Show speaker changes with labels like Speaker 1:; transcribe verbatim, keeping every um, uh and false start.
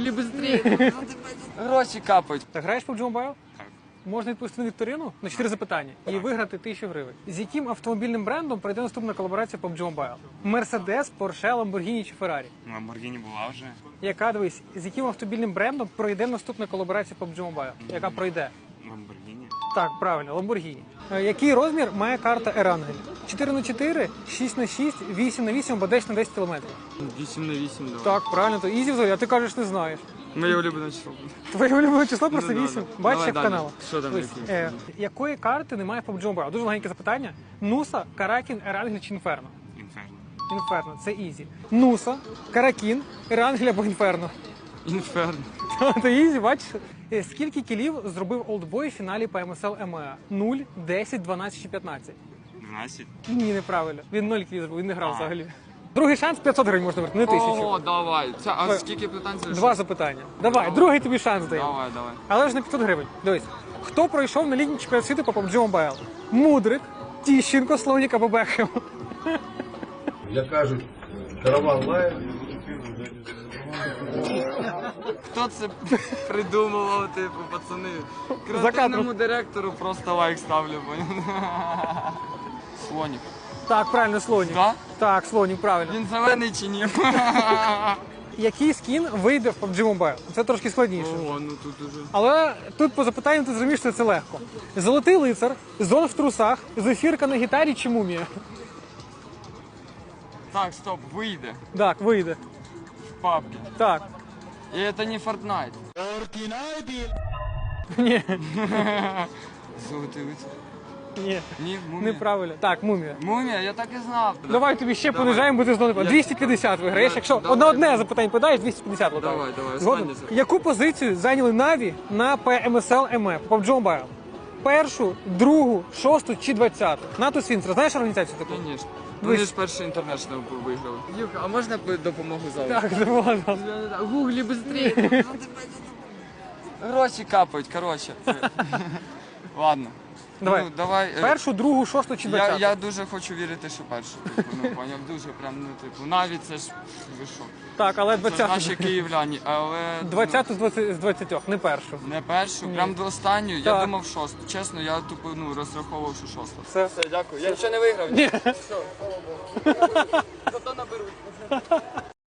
Speaker 1: Гуглі быстрее. Гроші капають.
Speaker 2: Так граєш в паб джі Mobile?
Speaker 1: Так.
Speaker 2: Можна відповісти на вікторину на чотири запитання і виграти тисячу гривень. З яким автомобільним брендом пройде наступна колаборація паб джі Mobile? Мерседес, Порше, Ламборгіні чи Феррарі?
Speaker 1: Ламборгіні була вже.
Speaker 2: Яка, дивись, з яким автомобільним брендом пройде наступна колаборація паб джі Mobile? Яка пройде?
Speaker 1: Ламборгіні.
Speaker 2: Так, правильно, Ламборгіні. Е, Який розмір має карта Ерангель? чотири на чотири, шість на шість, вісім на вісім або десять на десять кілометрів?
Speaker 1: вісім на вісім, давай.
Speaker 2: Так, правильно, то ізі взагалі, а ти кажеш, не знаєш.
Speaker 1: Моє улюблене число.
Speaker 2: Твоє улюблене число просто
Speaker 1: Ну, да,
Speaker 2: вісім.
Speaker 1: да.
Speaker 2: Бачиш,
Speaker 1: Давай
Speaker 2: як
Speaker 1: далі.
Speaker 2: канал.
Speaker 1: Що там
Speaker 2: Ось,
Speaker 1: які?
Speaker 2: е, якої карти немає в паб джі Mobile? Дуже легеньке запитання. Нуса, Каракін, Ерангель чи Інферно?
Speaker 1: Інферно.
Speaker 2: Інферно, це ізі. Нуса, Каракін, Ерангель або Інферно.
Speaker 1: Інферно.
Speaker 2: Це ізі, бачиш? Е, Скільки кілів зробив Олдбой в фіналі по ем ес ел ем е а? нуль, десять, дванадцять чи п'ятнадцять?
Speaker 1: дванадцять.
Speaker 2: Ні, неправильно. Він нуль кілів зробив, він не грав
Speaker 1: А.
Speaker 2: взагалі. Другий шанс п'ятсот гривень можна вернути, не тисячу.
Speaker 1: О, давай. Це, а
Speaker 2: Давай.
Speaker 1: скільки питань залишилось?
Speaker 2: Два запитання. Давай, другий тобі шанс даємо.
Speaker 1: Давай, давай.
Speaker 2: Але ж на п'ятсот гривень. Дивись. Хто пройшов на літній чемпіонат світу по паб джі Mobile? Мудрик, Тіщенко, Слонік або Бекхем?
Speaker 3: Як кажуть, караван лає.
Speaker 1: Хто це придумував, типу, пацани?
Speaker 2: кадром.
Speaker 1: Креативному директору просто лайк ставлю, поняв? Слонік.
Speaker 2: Так, правильно, Слонік.
Speaker 1: Да?
Speaker 2: Так, Слонік, правильно.
Speaker 1: Він зелений чи ні?
Speaker 2: Який скін вийде в паб джі Mobile? Це трошки складніше.
Speaker 1: Ого, ну тут уже.
Speaker 2: Але тут по запитанню ти зрозумієш, що це легко. Золотий лицар, зон в трусах, зефірка на гітарі чи мумія?
Speaker 1: Так, стоп, вийде
Speaker 2: Так, вийде.
Speaker 1: в папки.
Speaker 2: Так.
Speaker 1: І це не Fortnite.
Speaker 2: Ні,
Speaker 1: Золотий лицар.
Speaker 2: ні,
Speaker 1: Ні, мумія.
Speaker 2: неправильно. Так, мумія.
Speaker 1: Мумія, я так і знав.
Speaker 2: Давай тобі ще
Speaker 1: Давай.
Speaker 2: понижаємо, бо ти знову
Speaker 1: Я-
Speaker 2: двісті п'ятдесят виграєш.
Speaker 1: Я-
Speaker 2: Якщо
Speaker 1: давай.
Speaker 2: одне одне запитання подаєш, двісті п'ятдесят лотаєш.
Speaker 1: Давай, давай,
Speaker 2: Згоден?
Speaker 1: останнє запитання.
Speaker 2: Яку позицію зайняли Наві на пе ем ес ел ем е по паб джі Mobile? Першу, другу, шосту чи двадцяту? НАТО Свінцер, знаєш організацію таку?
Speaker 1: Звісно.
Speaker 2: Дивись.
Speaker 1: Вони ж перший інтернешнл виграли. Юха, а можна б допомогу залу?
Speaker 2: Так, не можна.
Speaker 1: Гуглі быстрее. Гроші капають, коротше. Ладно.
Speaker 2: Давай.
Speaker 1: Ну, давай. е,
Speaker 2: Першу, другу, шосту чи
Speaker 1: Я,
Speaker 2: двадцяту?
Speaker 1: я дуже хочу вірити, що першу. Типу, ну, поняв, дуже прям, ну, типу, навіть це ж, ви що?
Speaker 2: Так, але
Speaker 1: Це ж
Speaker 2: двадцяту.
Speaker 1: наші київляні, але...
Speaker 2: двадцяту з двадцяти з двадцятьох, не першу.
Speaker 1: ну, не першу, прям до останньої.
Speaker 2: Так.
Speaker 1: Я думав шосту. Чесно, я тупо, ну, розраховував, що шоста.
Speaker 2: Все.
Speaker 1: Все, дякую. Я ще не виграв. Ні. Все, слава Богу. Зато наберуть.